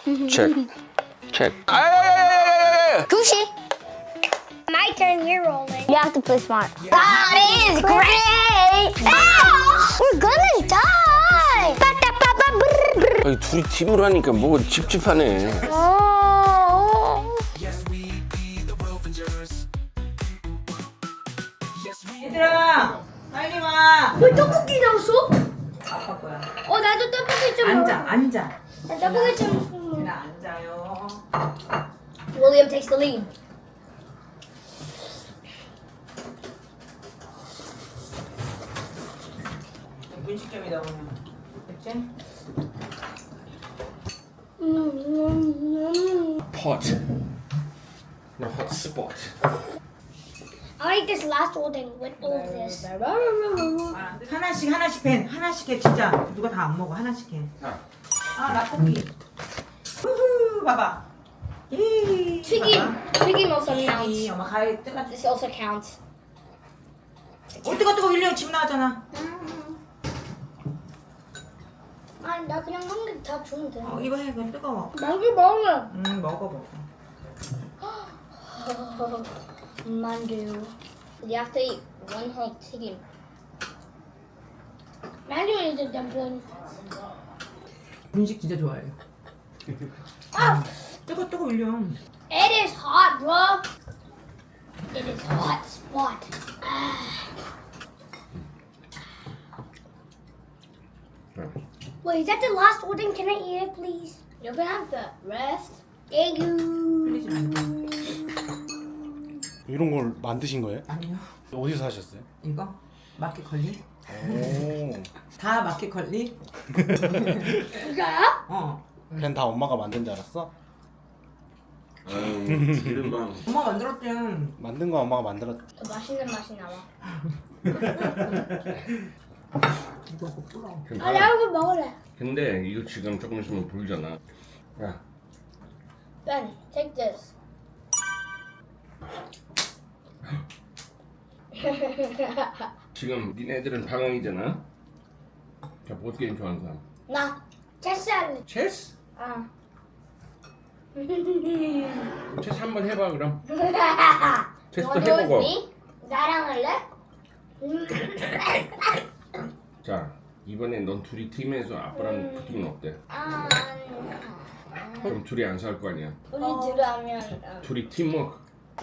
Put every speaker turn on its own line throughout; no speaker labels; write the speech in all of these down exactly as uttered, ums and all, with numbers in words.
체크. 체크.
Gucci.
My turn, you're rolling.
You have to play smart. That is great. Ah, we're gonna die.
아니, 둘이 팀으로 하니까 뭐가 찝찝하네.
Oh.
얘들아, 빨리 와.
왜 떡볶이 나왔어?
아빠 거야.
어, 나도 떡볶이 좀
앉아,
먹어.
앉아.
나 떡볶이 좀.
얘들아, 앉아요.
William takes the lead.
분식점이다 오늘. 그치?
Pot. No hot spot.
I'll eat this last whole thing with all of this.
아, 하나씩 하나씩 펜 하나씩 해 진짜 누가 다 안 먹어 하나씩 해.
자,
아 라볶이. 후후 봐봐. 이.
튀김. 튀김 also
이
counts.
엄마 가위 뜨가.
This also counts.
어 뜨거 뜨거 윌리엄 집 나왔잖아.
아니, 나 그냥 한 개 다 주면 돼.
어 이거 해 그거 뜨거워.
만두 먹으면.
음 먹어 먹어.
만두. You have to eat one whole 튀김. 만두 is a dumpling.
분식 진짜 좋아해.
아!
뜨거 뜨거 윌리엄.
It is hot, bro. It is hot spot. Wait, is that the last order? Can I eat it, please? You're gonna have the rest. Thank you.
흘리지 말고.
이런 걸 만드신 거예요?
아니요.
어디서 사셨어요?
이거 마켓 걸리?
오.
다 마켓 걸리?
이거요?
어.
그냥 다 엄마가 만든 줄 알았어?
아유, 기름방.
엄마 만들었대.
만든 거 엄마가 만들었.
더 맛있는 맛이 나와.
이거 뭐 뿌려.
아, 나 이거 먹을래.
근데 이거 지금 조금 있으면 불잖아. 야,
Ben, take this.
지금 니네들은 방황이잖아. 자, 보드 게임 좋아하는 사람.
나 체스 할래.
체스?
아.
체스 한번 해봐 그럼. 체스도
You wanna do it
해보고.
with me? 나랑 할래?
자, 이번에 넌 둘이 팀에서 아빠랑 붙으면 어때?
아,
그럼 둘이 안 살 거 아니야.
우리 둘이 하면 어.
둘이 팀워크.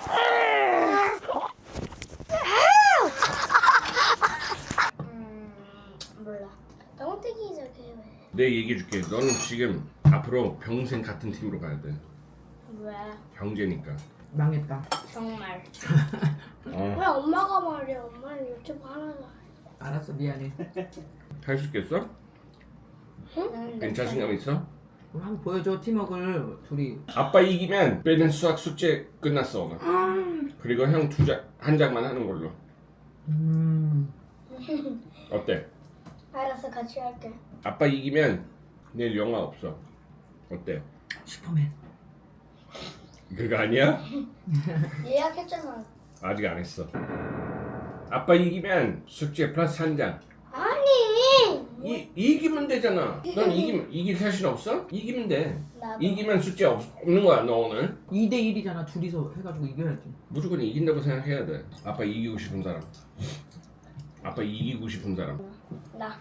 음, 몰라. Don't think he's okay with it.
내 얘기해줄게. 너는 지금 앞으로 평생 같은 팀으로 가야 돼.
왜?
형제니까.
망했다.
정말.
어.
왜 엄마가 말이야? 엄마는 유튜브 하나도
알았어 미안해.
할 수 있겠어?
응?
괜 자신감 있어?
그럼 한번 보여줘 팀워크를 둘이.
아빠 이기면 빼는 수학 숙제 끝났어 오늘. 그리고 형 두 장, 한 장만 하는 걸로.
음.
어때?
알았어, 같이 할게.
아빠 이기면 내일 영화 없어. 어때?
슈퍼맨.
그거 아니야?
예약했잖아.
아직 안 했어. 아빠 이기면 숙제 플러스 한 장.
아니.
이, 이기면 되잖아. 넌 이기면 이길 자신 없어? 이기면 돼.
나도.
이기면 숙제 없, 없는 거야 너 오늘.
이 대 일이잖아 둘이서 해가지고 이겨야지.
무조건 이긴다고 생각해야 돼. 아빠 이기고 싶은 사람. 아빠 이기고 싶은 사람.
나.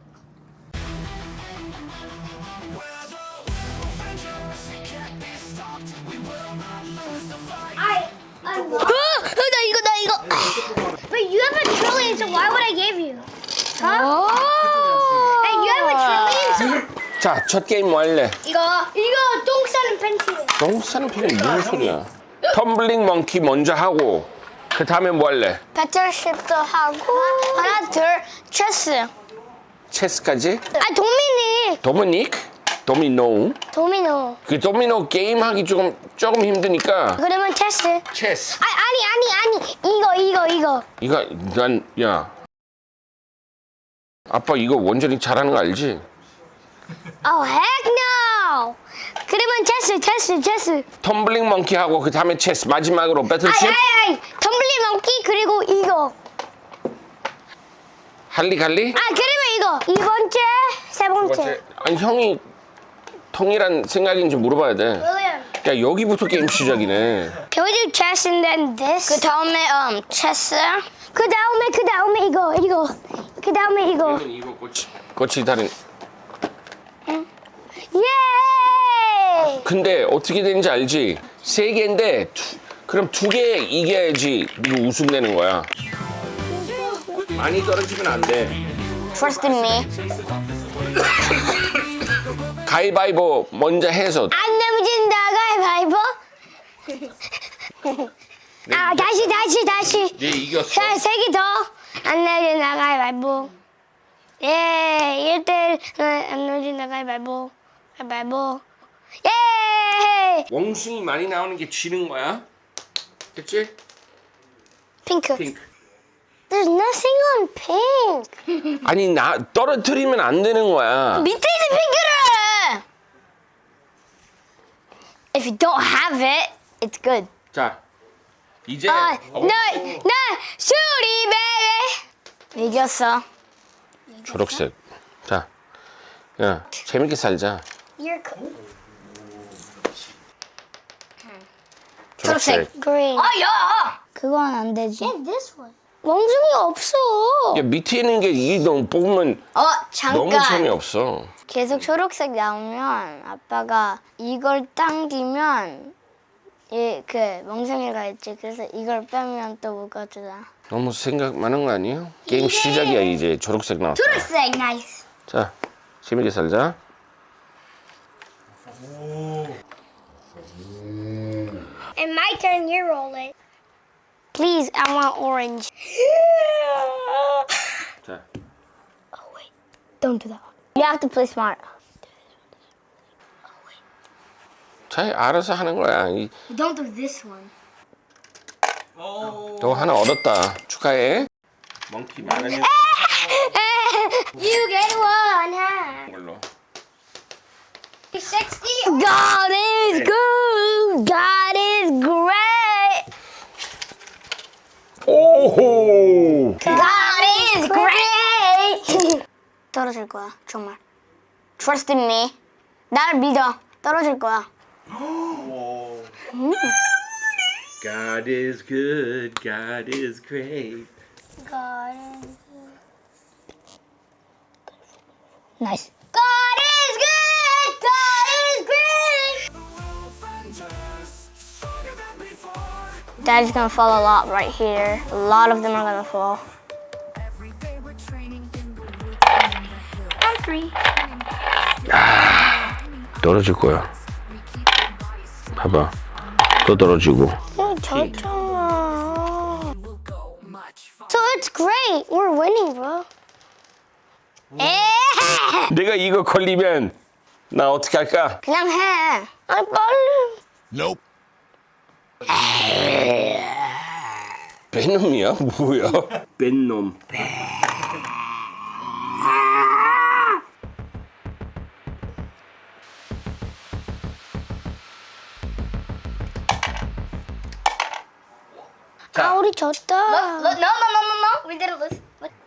I. I love. 나 이거 나 이거. But you have a trillion, so why would I give you? Huh? Hey, you have a trillion, so.
자, 첫 게임 뭐 할래?
이거 이거 똥 싸는 팬티예요.
너무 싸는 편이 무슨 소리야? 텀블링 멍키 먼저 하고 그 다음에 뭐 할래?
배틀쉽도 하고 하나 둘 체스.
체스까지?
아 도미닉.
도미닉? 도미노?
도미노.
그 도미노 게임 하기 조금 조금 힘드니까
그러면 체스.
체스.
아 아니 아니 아니 이거 이거 이거.
이거 난 야 아빠 이거 원전이 잘하는 거 알지?
Oh heck no. 그러면 체스 체스 체스.
텀블링 멍키 하고 그 다음에 체스 마지막으로 배틀쉽?
아이 아이 아이 텀블링 멍키 그리고 이거.
할리 갈리?
아 그러면 이거 이 번째 세 번째.
아니 형이 통일한 생각인지 물어봐야 돼.
William.
야 여기부터 게임 시작이네.
Can we do chess and then this? 그 다음에 um chess. 그 다음에 그 다음에 이거 이거. 그 다음에 이거.
이거 꼬치 꼬치 다른.
예!
근데 어떻게 되는지 알지? 세 개인데 두, 그럼 두 개 이겨야지 이거 우승 되는 거야. 많이 떨어지면 안 돼.
Trust in me.
가위바위보 먼저 해서.
안 넘진다 가위바위보. 아 다시 다시 다시.
네 이겼어.
세개 더. 안 넘진다 가위바위보. 예, 일 대 일. 안 넘진다 가위바위보. 가위바위보. 예!
원숭이 많이 나오는 게 지는 거야. 그치?
핑크.
핑크.
There's nothing on pink.
아니 나 떨어뜨리면 안 되는 거야.
밑에 있는 핑크를. If you don't have it, it's good.
자 이제
아,
어,
나, 나 수리 베베. 이겼어.
초록색. 자, 야 재밌게 살자.
You're cool.
초록색.
Green. 아, 야. 그건 안 되지. And this one. 멍중이 없어.
야 밑에 있는 게 이게 너무 뽑으면
어,
너무
잠깐.
재미없어.
계속 초록색 나오면 아빠가 이걸 당기면 이 그 멍청이가 있지. 그래서 이걸 빼면 또 못 가져다.
너무 생각 많은 거 아니에요? 게임 시작이야 이제 초록색 나왔어.
초록색 나이스.
자 재밌게 살자.
And my turn, you roll it. Please, I want orange.
자
Don't do that. You have to play smart.
잘 알아서 하는 거야. 이-
Don't do this one.
너 하나 얻었다. 축하해. 멍키 많으면
You get one. Huh?
걸로.
sixty. God is good. God is great.
오호.
God is great. 떨어질 거야, 정말. Trust in me. 나를 믿어. 떨어질 거야.
God is good. God is great.
God is good. Nice. God is good. God is great. Daddy's gonna fall a lot right here. A lot of them are gonna fall. I'm three.
떨어질 거야. 봐봐. 또 떨어지고.
졌잖아. So it's great. We're winning, bro. 에
내가 이거 걸리면 나 어떻게 할까?
그냥 해. 아니 빨리.
뺀놈이야? 뭐야? 뺀놈.
아 우리 졌다. No, no, no, no, no. We didn't lose.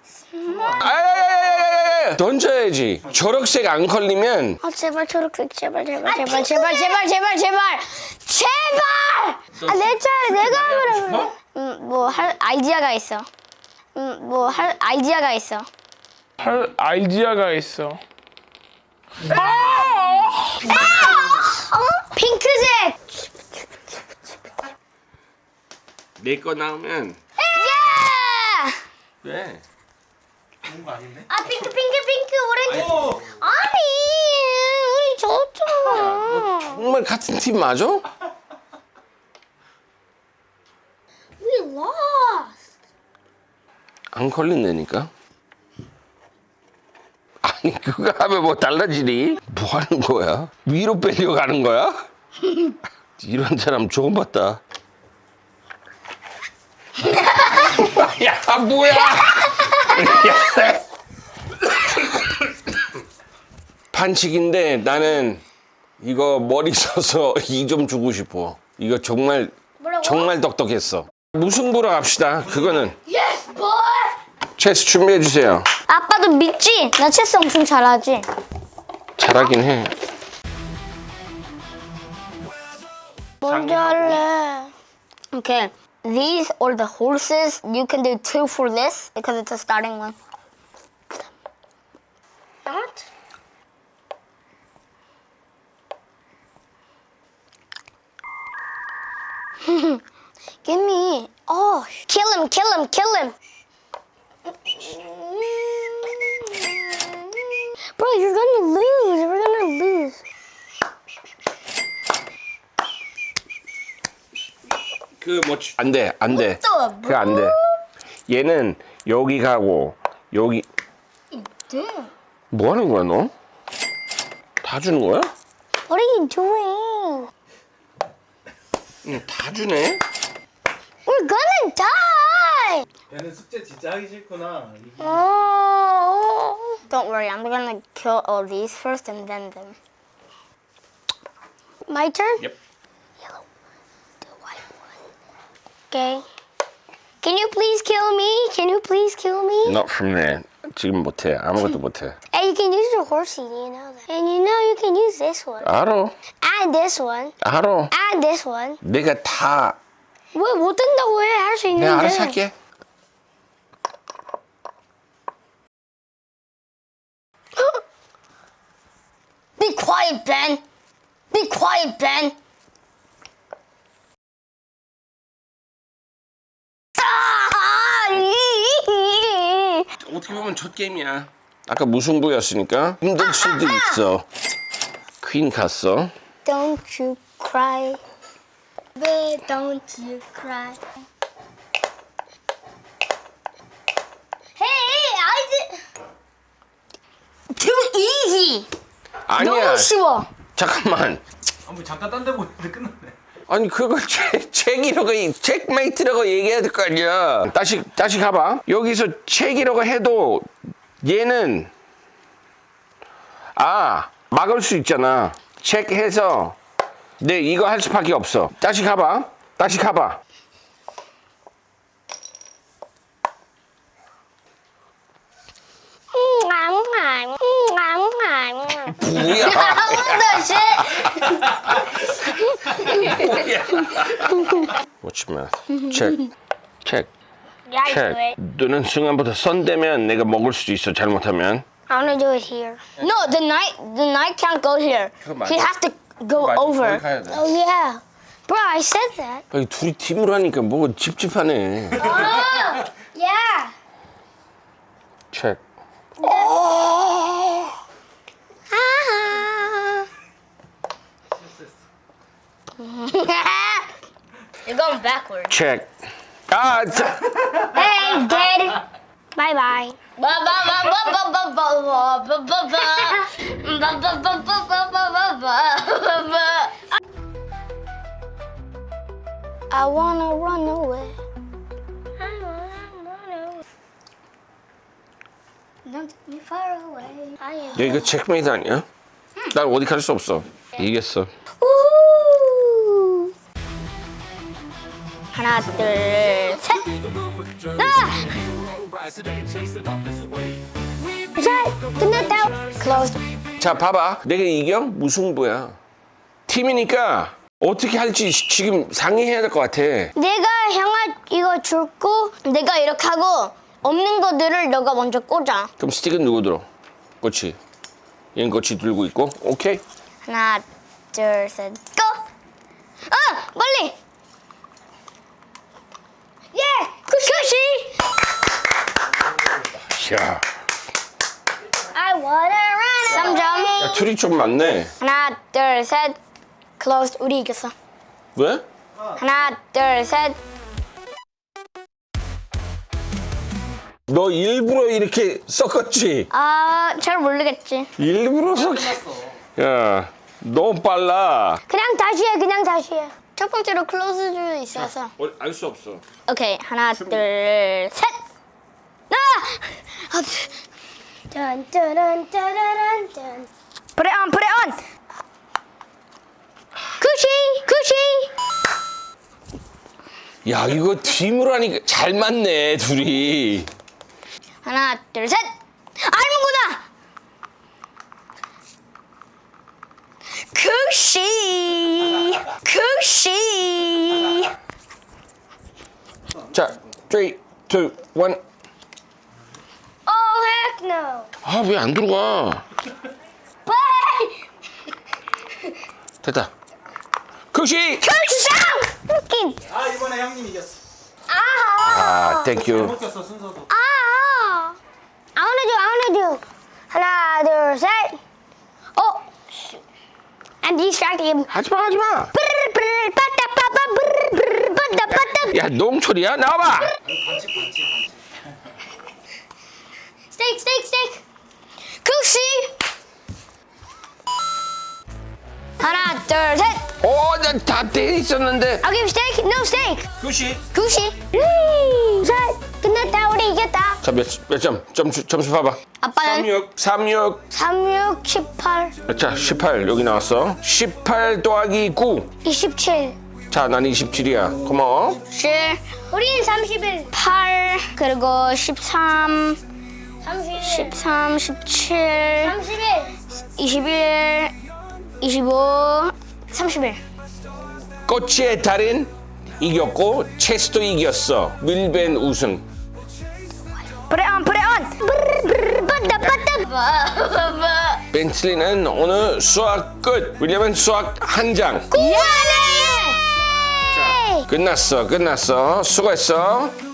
아야야야야야야! 던져야지. 초록색 안 걸리면
아 제발 초록색 제발 제발 제발 제발 제발 제발 제발 제발. 아내 차례 내가 하면 음뭐 할 아이디어가 있어. 음뭐 할 아이디어가 있어.
할 아이디어가 있어.
어? 핑크색.
내 거 나오면
예!
왜?
아 핑크 핑크 핑크 오렌지. 아니 우리 졌잖아.
정말 같은 팀 맞아?
We lost.
안 걸린다니까? 아니 그거 하면 뭐 달라지니? 뭐 하는 거야? 위로 빼려고 하는 거야? 이런 사람 처음 봤다. 야 뭐야? 반칙인데 나는 이거 머리 써서 이 좀 주고 싶어. 이거 정말
뭐라고?
정말 똑똑했어. 무승부로 갑시다. 그거는
Yes, boy.
체스 준비해 주세요.
아빠도 믿지? 나 체스 엄청 잘하지.
잘하긴 해.
먼저 할래. Okay. These or the horses, you can do two for this because it's a starting one. What? Give me. Oh, kill him, kill him, kill him. Bro, you're gonna lose. We're gonna lose.
그뭐안 돼, 안 돼.
What the,
그거 안 돼. 얘는 여기 가고 여기
Damn.
뭐 하는 거야 너? 다 주는 거야?
What are you doing?
응, 다 주네.
We're gonna die.
얘는 숙제 진짜 하기 싫구나. 이게
Oh. Don't worry, I'm gonna kill all these first and then them. My turn?
Yep.
Yellow, the white one. Okay. Can you please kill me? Can you please kill me?
Not from there. 지금 못해. 아무것도 못해.
Hey, you can use your horsey, you know that. And you know you can use this one.
알아.
And this one.
알아.
And this one.
내가 다
왜 못 된다고 해? 할 수 있는데.
내가 알아서 할게.
Be quiet, Ben. Be quiet, Ben.
어떻게 보면 첫 게임이야. 아까 무승부였으니까 힘들 수도 있어. 퀸 갔어.
Don't you cry. Babe, don't you cry. Hey, I did. Too easy.
아니야.
너무 쉬워.
잠깐만.
아, 뭐 잠깐 딴 데 보는데 끝났네.
아니 그거 책, 책이라고 책메이트라고 얘기해야 될 거 아니야. 다시 다시 가봐. 여기서 책이라고 해도 얘는 아 막을 수 있잖아. 책 해서 네 이거 할 수밖에 없어. 다시 가봐. 다시 가봐. 뭐야? What's your math? Check. Check. Check. 너는 순간부터 선 되면 내가 먹을 수도 있어. 잘못하면.
I want to do it here. No, the knight, the knight can't go here. He has to go over. Oh yeah, bro, I said that.
아니, 둘이 팀으로 하니까 뭐 찝찝하네.
Oh, yeah.
Check.
Ah. You're going backwards.
Check. 아, 자.
Hey, dead. Bye bye. I wanna run away. I wanna run away. Don't take me far away. I am.
야, 이거 체크메이트 아니야? 난 어디 갈 수 없어. 이겼어.
우! 하나, 둘, 셋. 아! 자, 끝났다. Closed.
자, 봐봐. 내가 이겨? 무승부야. 팀이니까 어떻게 할지 시- 지금 상의해야 될 것 같아.
내가 형아 이거 줄고 내가 이렇게 하고 없는 것들을 너가 먼저 꽂아.
그럼 스틱은 누구 들어? 꼬치. 얘는 꼬치 들고 있고. 오케이.
하나, 둘, 셋, 고! 아, 멀리! 예! 쿠시!
야,
I wanna run 삼 점.
야 둘이 좀 많네.
하나, 둘, 셋. Closed. 우리 이겼어.
왜?
하나, 둘, 셋.
너 일부러 이렇게 섞었지?
아, 잘 모르겠지.
일부러 섞. 야, 너무 빨라.
그냥 다시 해, 그냥 다시 해. 첫 번째로 클로즈도 있어서.
알 수 없어.
오케이, 하나, 둘, 셋. 아! 아, 짠, 짜란, 짜라란, 짠. Put it on, put it on. 쿠시, 쿠시.
야, 이거 팀으로 하니까 잘 맞네, 둘이.
하나, 둘, 셋. 알문구나. 쿠시, 쿠시.
자, three, two, one.
Oh heck no.
아, 왜 안 들어가? 됐다. 극시!
결상. 웃긴.
아 이번에 형님 이겼어.
아, 땡큐.
못 꼈어 순서도.
아. I wanna do. I wanna do. 하나, 둘, 셋. 어. I'm distracted.
하지마, 하지마.
브르르 빠따빠빠 브르르 빠따빠따.
야, 농철이야? 나와봐.
반칙 반칙 반칙.
스테이크 스테이크 스테이크. 국시. 하나, 둘, 셋.
어, 나다 돼 있었는데.
I'll give steak. No steak.
교시.
국시. 위. 셋. 끝났다. 우리 이겼다.
자, 몇, 몇 점? 점수, 점수 봐봐.
아빠는
삼육.
삼육.
삼육, 십팔,
자, 십팔. 여기 나왔어. 십팔 더하기 구.
이십칠.
자, 난 이십칠이야. 고마워.
칠. 우리는 삼십일. 팔. 그리고 십삼. 삼십일. 십삼, 십칠. 삼십일. 이십일. 이십오. 삼십일.
꼬치의 달인 이겼고, 체스도 이겼어. 밀벤 우승.
Put it on, put it on. 브르르 브르르 빠따.
벤틀리는 오늘 수학 끝. 윌리엄은 수학 한 장.
미안해.
끝났어, 끝났어. 수고했어.